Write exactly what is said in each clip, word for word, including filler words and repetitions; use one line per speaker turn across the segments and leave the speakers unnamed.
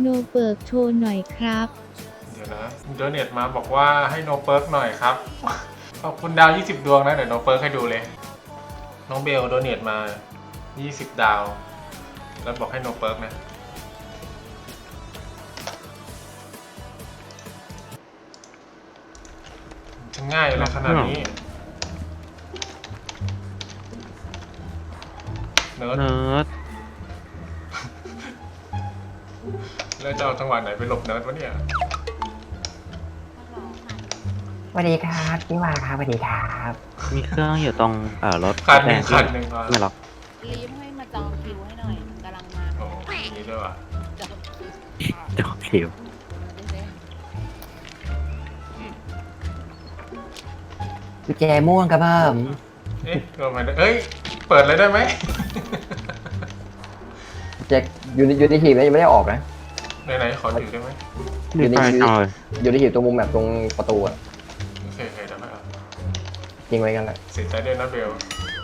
โนเปิร์กโชว์หน่อยครับ
เดี๋ยวนะโดเนทมาบอกว่าให้โนเปิร์กหน่อยครับขอบคุณดาวยี่สิบดวงนะเดี๋ยวโนเปิร์กให้ดูเลยน้องเบลโดเนทมายี่สิบดาวแล้วบอกให้โนเปิร์กนะจะง่ายอะไรขนาดนี้เนิร์ด
เนิร์ด
แล้วจะเอาจังหวะไหนไปหลบเนิร์ดวะเนี่ย
สวัสดีครับพี่วาครับสวัสดีครับ
มีเครื่องอยู่ตรงเอ่อรถ
คันห
แด
นึ่
ง
ง
ที่
คันหนึ่งก่อน
ไม่ล็อก
รีบให้มาจองคิวให้หน่อยกำลังมา
โอ้ยอย่างนี้ด้วยว่ะ
จองคิว
จอคิว
กุญแจม่วงครับเพิ่ม
เอ๊ะเกิดมาเอ้ยเปิดเลยได้ไหม
กุญแจอยู่ในอยู่ในหีบนะยังไม่ได้ออกนะ
ไหนๆขอถือได้ไหม
มีไฟจอย
อยู่ในหีบตรงมุมแบบตรงประตูอะ
โอเคโอเคเดี๋ยวนะครับ
ทิ้งไว้กันแหละ
เสียใจด้วยนะเบล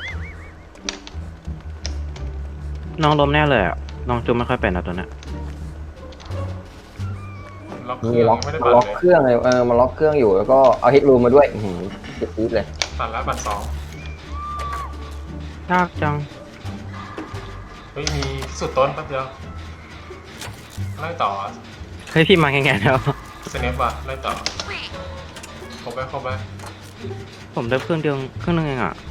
น้องล้มแน่เลยอ่ะน้องจุ๊บไม่ค่อยเป็นอ่ะตัวเนี้ย
ล็อกเครื่
มี
อง
ล็อก
ไม่ได้
มา
บัต
ล็อ
ร
ก
เลย
เครื่องเลยเออมาล็อกเครื่องอยู่แล้วก็เอาฮิตรูมมาด้วยอื้อหือเจ็บจี๊ดเลย
ตัดแล้วบัตรสอง
ยากจัง
เฮ้ยมีสุดต้นแป๊บเดียวไล่ต่อ
เฮ้ยพี่มาแง่ๆแล้ว
สเนปว่ะไล่ต่อครบไหมครบไหม
ผมได้เครื่องเดียวเครื่องนึงเองอ่ะ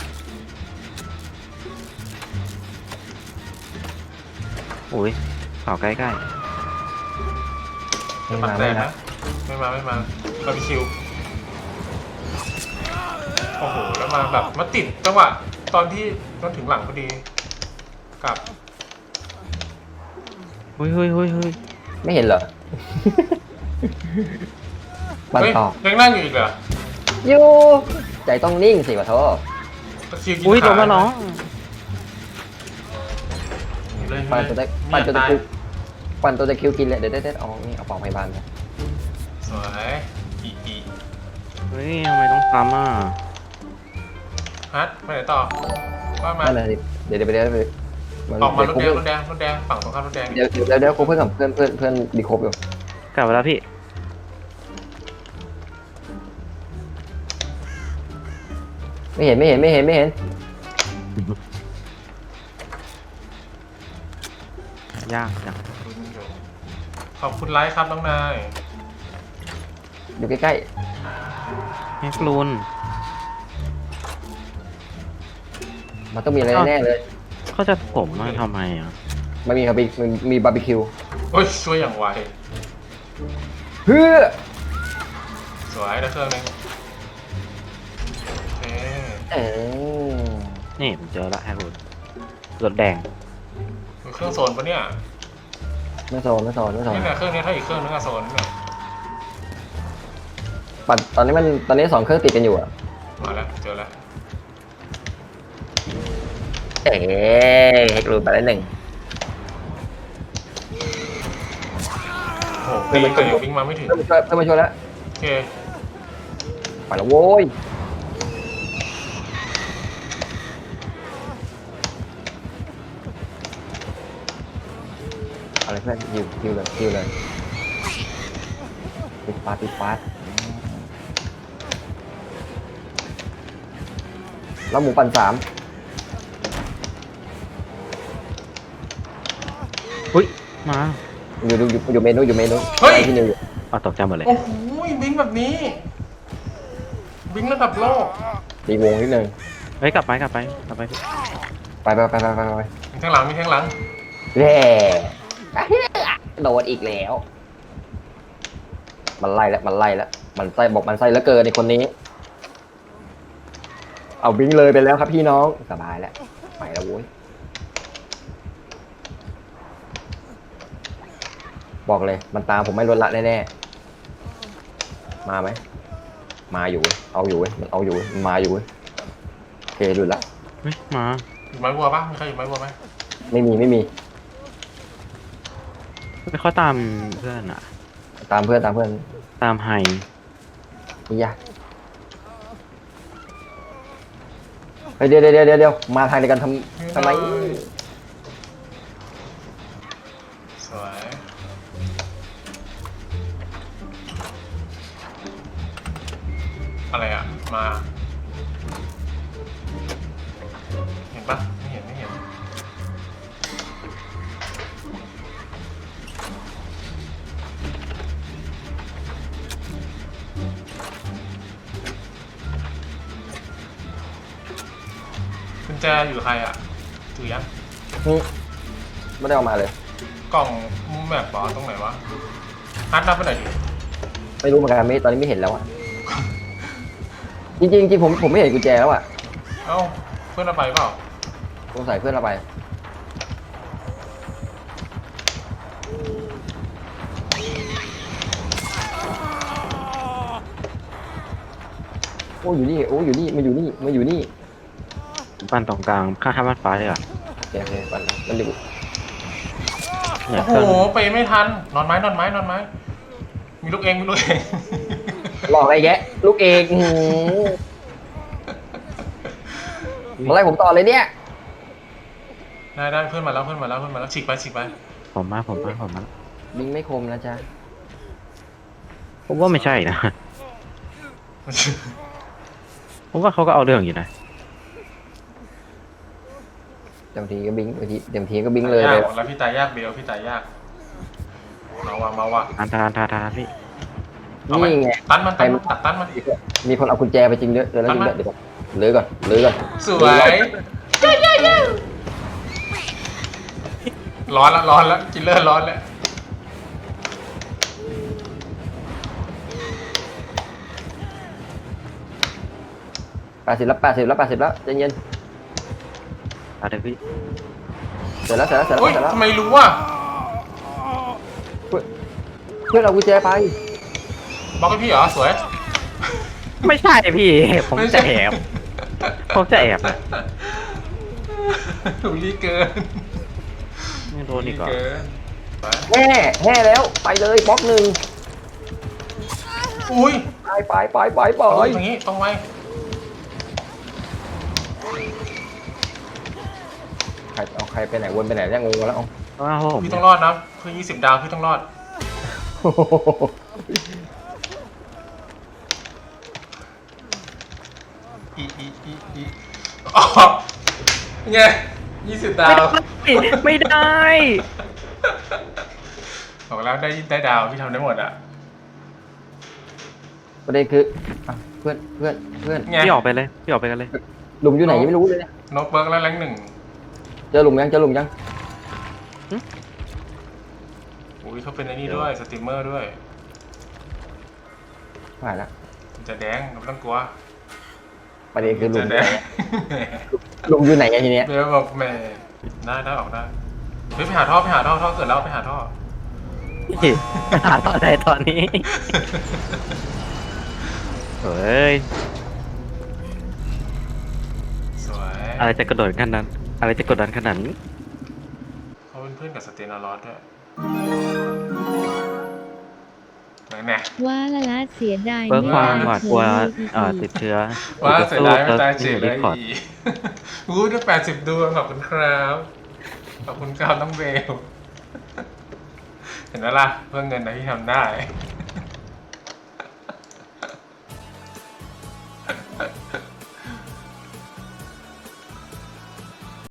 โอ้ยเป่าใกล้
ไม่
บัต
มาร
แต
ไม่
ก
มา
นะไม่มาไม่มาบาร์บีคิวโอ้โหแล้วมาแบบมาติดจังหวะตอนที่ตอนถึงหลังพอดีกลับ
ๆเฮ้ยเฮ้ยเฮ้ยเฮ้ย
ไม่เห็นเหรอ บัน
เฮ้ย
ต่อ
ยังนั่งอยู่อีกเหรอ
อยู่ใจต้องนิ่งสิขอโทษ
ตะคริวกิน
อุ้ย
ขา
โดนมาน้อง
เลย
ปั่นตัวตะ
ไม่
ปั่น
อยาก
ตัวตะ
ตาย
คิวปั่นตัวตะคิวกินเลยเดี๋ยวเดี๋ยวเดี๋ยวเอานี่เอาปองพยาบาลไป
สวยอีอี
เฮ้ยทำไมต้องซ้ำอ่ะ
ฮัทไปไหนต่อว่ามา
นั่นแหละสิเดี๋ยวเดี๋ยวไปเดี๋ยวไปมัน
ออกมารถ
เดี๋ยว
แดงรถแดงรถแดงฝั่งตรงข้ามรถแดง
เดี๋ยวเดี๋ยวเดี๋ยวคุยเพื่อนกับเพื่อนเพื่อนเพื่อนดีครบอยู่
กลับมาแล้วพี่
ไม่เห็นไม่เห็นไม่เห็นไม่เห็น
ยากจัง
ขอบคุณไลค์ครับน้องนาย
อยู่ใกล้
แฮกลูน
ๆมันต้องมีอะไรแน่ๆเลย
เขาจะผมมาทำไมอ่ะ
มันมีครับมีมันมีบาร์บีคิว
โอ้ยช่วยอย่างไว
เฮ้อ
สวยได้เครื่องหนึงโอเค
เออ
นี่ผมเจอละแฮกลูนรถแดง
มีเครื่องโซนปะเนี่ย
ไม่โซนไม่โซนไม่โซน
นี่แหละเครื่องนี้ถ้าอีกเครื่องนึงอะโซนเนี่ย
ปัดตอนนี้มันตอนนี้สองเครื่องติดกันอยู่อะ
มาแล้วเจอแล้ว
เอ๊ะเฮกรูไปแล้วหนึ่ง
โอ้โหตีแต่ยังวิ่งมาไม่ถึง
เพื่อนมาช่วยเพื่อนมาช่วยแล้ว
โอเค
ไปแล้วโว้ยอะไรเพื่อนยิวยิวเลยยิวเลยปิดปาดปิดปาดแล้วหมูปั่นสาม
อุ้ยมา
อยู่อยู่อยู่อยู่เมนูอยู่เมนู
เฮ้ย
ที่นิวอยู่
เอาตกใจหมดเลย
โอ้โหบิงแบบนี้บิงระดับโลก
ตีวงนิดนึง
เฮ้ยกลับไปกลับไปกลับไปพี่
ไปไปไปไปไปไป
มีข้างหลังมีข้างหลัง
เย่โดนอีกแล้ว มันไล่แล้วมันไล่แล้วมันไส้บอกมันไส้แล้วเกินในคนนี้ เอาบิงเลยไปแล้วครับพี่น้องสบายแล้วไปแล้วโว้ยบอกเลยมันตามผมไม่ลดละแน่ๆมาไหมมาอยู่เว้ยเอาอยู่เว้ยมันเอาอยู่เว้ยมันมาอยู่เว้ยโอเคหลุดละ
เฮ้ยมา
อยู่ไม้วัวปะมีใครอยู่ไม้วัวไหม
ไม่มีไม่มี
ไม่ค่อยตามเพื่อนอ่ะ
ตามเพื่อนตามเพื่อน
ตามไฮ
นี่ยะเฮ้ยเดี๋ยวเดี๋ยวเดี๋ยวเดี๋ยวมาทางเดียวกันทำทำไม
สวยมา เห็นปะไม่เห็นไม่เห็นกุญแจอยู่กับใครอ่ะถือยัง
นี่ไม่ได้เอามาเลย
กล่องมุมแมปบอตรงไหนวะฮัทนับไปหน่อยดิ
ไม่รู้เหมือนกันไม่ตอนนี้ไม่เห็นแล้วอ่ะ จริงๆจริงๆผมผมไม่เห็นกุญแจแล้วอ่ะ
เอ้าเพื่อนเอาไปเปล่า
สงสัยเพื่อนเราไปโอ้อยู่นี่โอ้อยู่นี่มาอยู่นี่มาอยู่นี่
บ้านตรงกลางข้างๆบ้านฟ้าเลยอ่ะ
โอเคโอเคมันมันอยู่
เนี่ย
โอ้
เค
โห
รื่อง
ไปไม่ทันนอนไม้นอนไม้นอนไม้มีลูกเองมีลูกเอง
หลอกไอ้แกะลูกเอกอื้อหือมาไล่ผมต่อเลยเนี่ย
ได้ได้เพื่อนมาแล้วเพื่อนมาแล้วเพื่อนมาแล้วฉีกไปฉีกไป
ผมมาผมมาผมมา
บิงไม่คมนะจ๊ะ
ผมว่าไม่ใช่นะ ผมว่าเขาก็เอาเรื่องอยู่นะ
เต็มทีก็บิงบางทีเต็มทีก็บิงเลย
ตา
เลย
ากแล้วพี่ตายยากเบลพี่ตายยากมาว่ะมาว่ะ
ทานทานทานทานพี่
เอาไหม
นี่ไง
ตันมันตันมันตัดตันมัน
มีคนเอากุญแจไปจริงด้วยเดี๋ยวแล้วจริงด้วยเดี๋ยวก่อนเลื้อยก่อนเลื้อยก่อน
สวยร้อนละร้อนละกินเลอร์ร้อนแล้ว
แปดสิบแล้วแปดสิบแล้วแปดสิบแล้วใจเย็น
เอาเดี๋ยวพี่
เสร็จแล้วเสร็จแล้วเสร็จ
โอ้ย
แล้วเสร็จแล้ว
ทำไมรู้อ่ะ
เพื่อนเพื่อนเอากุญแจไป
บอกให้พี่เหรอสวย
ไม่ใช่พี่ ผมจะแอบ ผมจะแอบนะ
ถูกรีเกิน
ไม่โดนอีกเหรอ
เกินไป
แห่แห่แล้วไปเลยบล็อกหนึ่ง
อุ้ย
ไปไปไปไปไป
โอ้ยอย่างงี้ตรงไว้
ใครเอาใครไปไหนวนไปไหนเนี่ยงงแล้วเอา
เพราะว่าผม
พี่ต้องรอดนะเพื่อยี่สิบดาวพี่ต้องรอดอีอีอีอีอ๋อไงยี่สิบดาว
ไม่ได้
บอกแล้วได้ได้ดาวพี่ทำได้หมดอ่ะ
ประเด็นคืออ่ะเพื่อนเพื่อนเพื่อน
ไง
พี่ออกไปเลยพี่ออกไปกันเลย
หลุมอยู่ไหนยังไม่รู้เลยเนี่ย
นกเบิร์กแล้วแรงหนึ่ง
เจอหลุมยังเจอหลุมยัง
อุ้ยเขาเป็นไอ้นี่ด้วยสตรีมเมอร์ด้วย
ผ่านละ
มันจะแดงไม่ต้องกลัว
ประเด็นคือหลุ
จะ
ม
แดง
หลุมอยู่ไหนอะทีเนี้ย
เบลบอกแหม่ได้ได้ออกได้เฮ้ยไปหาท่อไปหาท่อท่อเกิดแล้วไปหาท่อ
พี่หาตอนไหนตอนนี้ เฮ้ย
สวย
อะไรจะกระโดดขนาดนั้น อะไรจะกดดันขนาดนี้
เขาเป็นเพื่อนกับสเตนารอสด้วยไหนแน่
ว่าละละเสียดาย
เพิ่มความหวาดกลัว
เผย
เอ่อติดเชื้อ
ว่าเสียดายไม่ตายเฉยเล
ดิ
ย
สคอร์ด
อีอู้ได้แปดสิบดวงขอบคุณครับขอบคุณครับน้องเบลเห็นไหมล่ะเพื่อเงินนะที่ทำได้